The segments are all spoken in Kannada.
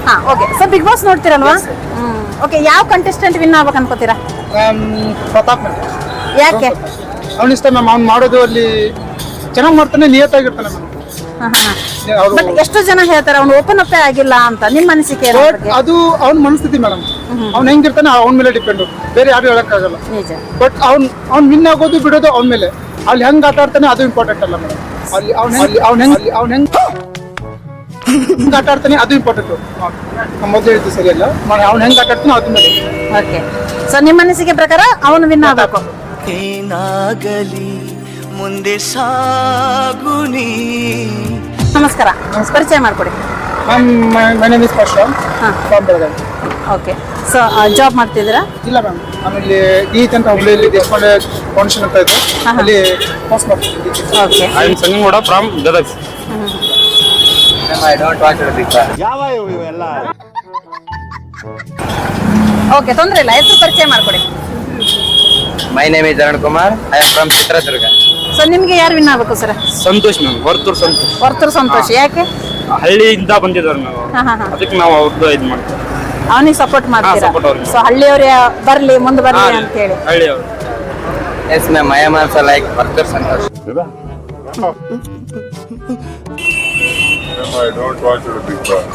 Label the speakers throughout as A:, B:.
A: ಹಾ ಓಕೆ. ಸೊ ಬಿಗ್ ಬಾಸ್ ನೋಡ್ತೀರಲ್ವಾ? ಓಕೆ, ಯಾವ ಕಂಟೆಸ್ಟೆಂಟ್ ವಿನ್ ಆಗ್ಬೇಕು ಅನ್ಕೋತೀರಾ?
B: ಪ್ರತಾಪ್ ಮ್ಯಾಮ್.
A: ಯಾಕೆ?
B: ಅವ್ನ ಇಷ್ಟ ಮ್ಯಾಮ್. ಅವ್ನು ಮಾಡೋದು ಅಲ್ಲಿ ಚೆನ್ನಾಗಿ ಮಾಡ್ತಾನೆ, ನಿಯತ್ತಾಗಿರ್ತಾನೆ ಮ್ಯಾಮ್.
A: ಬಟ್ ಎಷ್ಟು ಜನ ಹೇಳ್ತಾರೆ ಅವ್ನು ಓಪನ್ ಅಪ್ ಆಗಿಲ್ಲ ಅಂತ. ನಿಮ್ಮ ಅನಿಸಿಕೆ ಏನು ಅದ್ರ ಬಗ್ಗೆ?
B: ಅದು ಅವ್ನ ಮನಸ್ಥಿತಿ ಮೇಡಮ್. ಅವ್ನು ಹೆಂಗಿರ್ತಾನೆ ಅವ್ನ ಮೇಲೆ ಡಿಪೆಂಡ್, ಬೇರೆ ಯಾರು ಹೇಳಕ್ಕಾಗಲ್ಲ.
A: ನಿಜ.
B: ಬಟ್ ಅವ್ನ್ ವಿನ್ ಆಗೋದು ಬಿಡೋದು ಅವ್ನ ಮೇಲೆ. ಅಲ್ಲಿ ಹೆಂಗ್ ಆಟ ಆಡ್ತಾನೆ ಅದು ಇಂಪಾರ್ಟೆಂಟ್ ಅಲ್ಲ ಮೇಡಮ್. ಅಲ್ಲಿ ಅವ್ನ ಹೆಂಗ್ ಆಟ ಆಡ್ತಾನೆ ಅದು ಇಂಪಾರ್ಟೆಂಟ್. ಮೊದಲು ಹೇಳಿದ್ದು ಸರಿಯಲ್ಲ, ಅವ್ನು ಹೆಂಗ್ ಆಟ ಆಡ್ತಾನೆ ಅದ್ರ ಮೇಲೆ.
A: ಓಕೆ. ಸೊ ನಿಮ್ಮ ಅನಿಸಿಕೆ ಪ್ರಕಾರ ಅವನು ವಿನ್ ಆಗಬೇಕು.
C: ಏನಾಗಲಿ ಮುಂದೆ ಸಾಗುನಿ.
A: ನಮಸ್ಕಾರ, ಪರಿಚಯ ಮಾಡ್ಕೊಡಿ.
B: Ma'am, my name is Sparsha from Belagavi.
A: Okay. So job ಮಾಡ್ತಿದ್ದೀರಾ?
B: ಇಲ್ಲ ಮ್ಯಾಮ್, ಆಮೇಲೆ ಗೀತ್ ಅಂತ ಹುಬ್ಳಿಯಲ್ಲಿ ದೇಶಪಾಂಡೆ ಫೌಂಡೇಶನ್ ಅಂತ ಇದೆ, ಅಲ್ಲಿ ಪಾಸ್ ಮಾಡ್ತಿದ್ದೀನಿ.
A: Okay.
D: I am Sangangouda from Gadag.
C: I don't watch big boss.
A: Okay, ತೊಂದರೆ ಇಲ್ಲ. ಹೆಸರು ಪರಿಚಯ ಮಾಡ್ಕೊಡಿ.
C: My name is Arun Kumar. I am from Chitradurga.
A: So ನಿಮ್ಗೆ ಯಾರು ವಿನ್ ಆಗ್ಬೇಕು ಸರ್?
D: ಸಂತೋಷ್ ಮ್ಯಾಮ್, ವರ್ತೂರ್ ಸಂತೋಷ್.
A: ವರ್ತೂರ್ ಸಂತೋಷ್. ಯಾಕೆ?
D: ಹಳ್ಳಿಯಿಂದ ಬಂದಿದ್ದಾರೆ ನಾವು, ಅದಕ್ಕೆ ನಾವು ಅವ್ರದ್ದು ಇದು ಮಾಡ್ತೀವಿ.
A: ಅವನಿಗೆ ಸಪೋರ್ಟ್ ಮಾಡ್ತೀರಾ?
D: support ಅವ್ರಿಗೆ.
A: ಸೊ ಹಳ್ಳಿಯವ್ರ ಬರ್ಲಿ, ಮುಂದೆ ಬರ್ಲಿ ಅಂತ ಹೇಳಿ.
D: ಹಳ್ಳಿಯವರು.
C: Yes ma'am, I am also like Varthur Santosh.
E: I don't watch the Big Boss.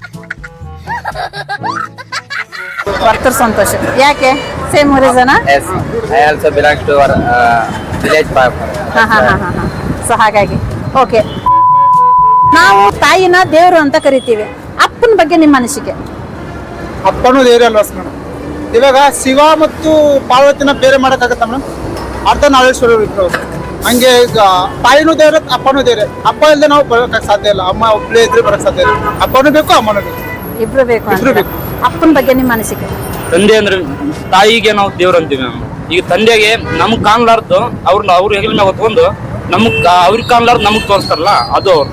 A: Varthur Santosh. ಯಾಕೆ? Same reason?
C: Yes, I also belongs to village park.
A: So ಹಾಗಾಗಿ ಓಕೆ. ನಾವು ತಾಯಿನ ದೇವರು ಅಂತ ಕರಿತೀವಿ. ಅಪ್ಪನ ಬಗ್ಗೆ ನಿಮ್ಮ ಅನಿಸಿಕೆ?
B: ಅಪ್ಪನೂ ದೇವ್ರೆ ಅಲ್ವಾ ಮೇಡಮ್? ಇವಾಗ ಶಿವ ಮತ್ತು ಪಾರ್ವತಿನ ಬೇರೆ ಮಾಡೋಕ್ಕಾಗತ್ತ ಮೇಡಮ್? ಅರ್ಧ ನಾಳೇಶ್ವರ ಇದ್ರು. ಹಂಗೆ ಈಗ ತಾಯಿನೂ ದೇವ್ರೆ, ಅಪ್ಪನೂ ದೇವ್ರೆ. ಅಪ್ಪ ಇಲ್ಲದೆ ನಾವು ಬರೋಕ್ಕೆ ಸಾಧ್ಯ ಇಲ್ಲ. ಅಮ್ಮ ಒಬ್ಬಳೇ ಇದ್ರೆ ಬರೋಕ್ಕೆ ಸಾಧ್ಯ ಇಲ್ಲ. ಅಪ್ಪನೂ ಬೇಕು, ಅಮ್ಮನೂ ಬೇಕು,
A: ಇಬ್ರು ಬೇಕು.
B: ಇಬ್ರು ಬೇಕು.
A: ಅಪ್ಪನ ಬಗ್ಗೆ ನಿಮ್ಮ ಅನಿಸಿಕೆ?
D: ತಂದೆ ಅಂದ್ರೆ ತಾಯಿಗೆ ನಾವು ದೇವ್ರು ಅಂತೀವಿ ಮ್ಯಾಮ್. ಈಗ ತಂದೆಗೆ ನಮ್ಗೆ ಕಾಣ್ಲಾರ್ದು ಅವ್ರ ಹೆಗಲ ಮ್ಯಾಗ ಹೊತ್ಕೊಂಡು ಅವ್ರಿಗೆ ಕಾಣ್ಲಾರ್ದು ನಮಗ್ ತೋರಿಸ್ತಾರಲ್ಲ, ಅದು ಅವ್ರು.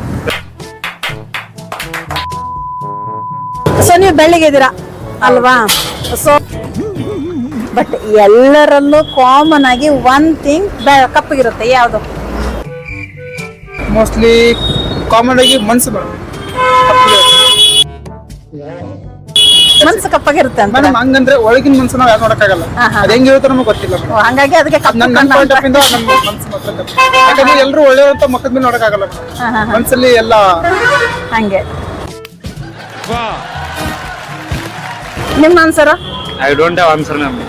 A: ಸೊ ನೀವು ಬೆಳ್ಳಿಗಿದ್ದೀರಾ ಅಲ್ವಾ? ಸೊ ಬಟ್ ಎಲ್ಲರಲ್ಲೂ ಕಾಮನ್ ಆಗಿ ಒನ್ ಥಿಂಗ್ ಕಪ್ಪಗಿರುತ್ತೆ. ಯಾವುದು?
B: ಮೋಸ್ಟ್ಲಿ ಕಾಮನ್ ಆಗಿ ಮನ್ಸು ಮೇಡಮ್.
A: ಮನ್ಸು ಕಪ್ಪಗಿರುತ್ತೆ ಅಂತ.
B: ಮೇಡಮ್ ಹಂಗಂದ್ರೆ ಒಳಗಿನ ಮನ್ಸು ನಾವು ಯಾರು ನೋಡಕ್ಕಾಗಲ್ಲ. ಅದು ಹೆಂಗಿರುತ್ತೆ ನಮಗೆ ಗೊತ್ತಿಲ್ಲ ಮೇಡಮ್.
A: ಹಂಗಾಗಿ ಅದಕ್ಕೆ
B: ನನ್ನ ಪಾಯಿಂಟ್ ಆಫ್ ಇಂದ ನಮ್ಮ ಮನ್ಸು ಮಾತ್ರ ಕಪ್ಪು. ಯಾಕಂದ್ರೆ ಎಲ್ಲರೂ ಒಳ್ಳೆಯವಂತ ಮಕ್ಕದ ಮೇಲೆ ನೋಡಕ್ಕಾಗಲ್ಲ. ಮನ್ಸಲ್ಲಿ ಎಲ್ಲ
A: ಹಂಗೆ. ನಿಮ್ಮ answer?
D: I don't have answer ma'am.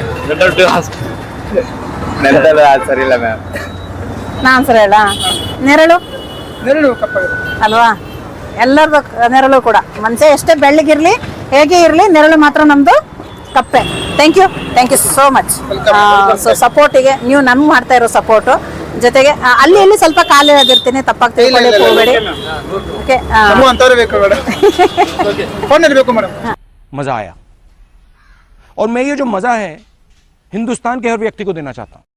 C: ನಂತರ ಆನ್ಸರ್ ಇಲ್ಲ ಮ್ಯಾಮ್.
A: ನಾ ಆನ್ಸರ್ ಹೇಳ. ನೆರಳು
B: ನೆರಳು ಕಪ್ಪಾಗಿರುತ್ತೆ
A: ಅಲ್ವಾ? ಎಲ್ಲರದು ನೆರಳು ಕೂಡ. ಮನುಷ್ಯ ಎಷ್ಟೇ ಬೆಳ್ಳಗಿರ್ಲಿ, ಹೇಗೆ ಇರಲಿ, ನೆರಳು ಮಾತ್ರ ನಮ್ದು ಕಪ್ಪೆ. Thank you so much. So ಸಪೋರ್ಟಿಗೆ ನೀವು ನಮ್ಗೆ ಮಾಡ್ತಾ ಇರೋ ಸಪೋರ್ಟು ಜೊತೆಗೆ ಅಲ್ಲಿ ಇಲ್ಲಿ ಸ್ವಲ್ಪ ಕಾಲು ಎಳೆದಿರ್ತೀನಿ, ತಪ್ಪಾಗಿ ತಿಳ್ಕೊಳ್ಳಿಕ್ಕೆ ಹೋಗಬೇಡಿ. ಓಕೆ.
B: ಅಂತವ್ರೆ ಬೇಕು ಮೇಡಮ್. ಫೋನ್ ಬೇಕು ಮೇಡಮ್.
F: मज़ा आया और मैं ये जो मज़ा है हिंदुस्तान के हर व्यक्ति को देना चाहता हूँ.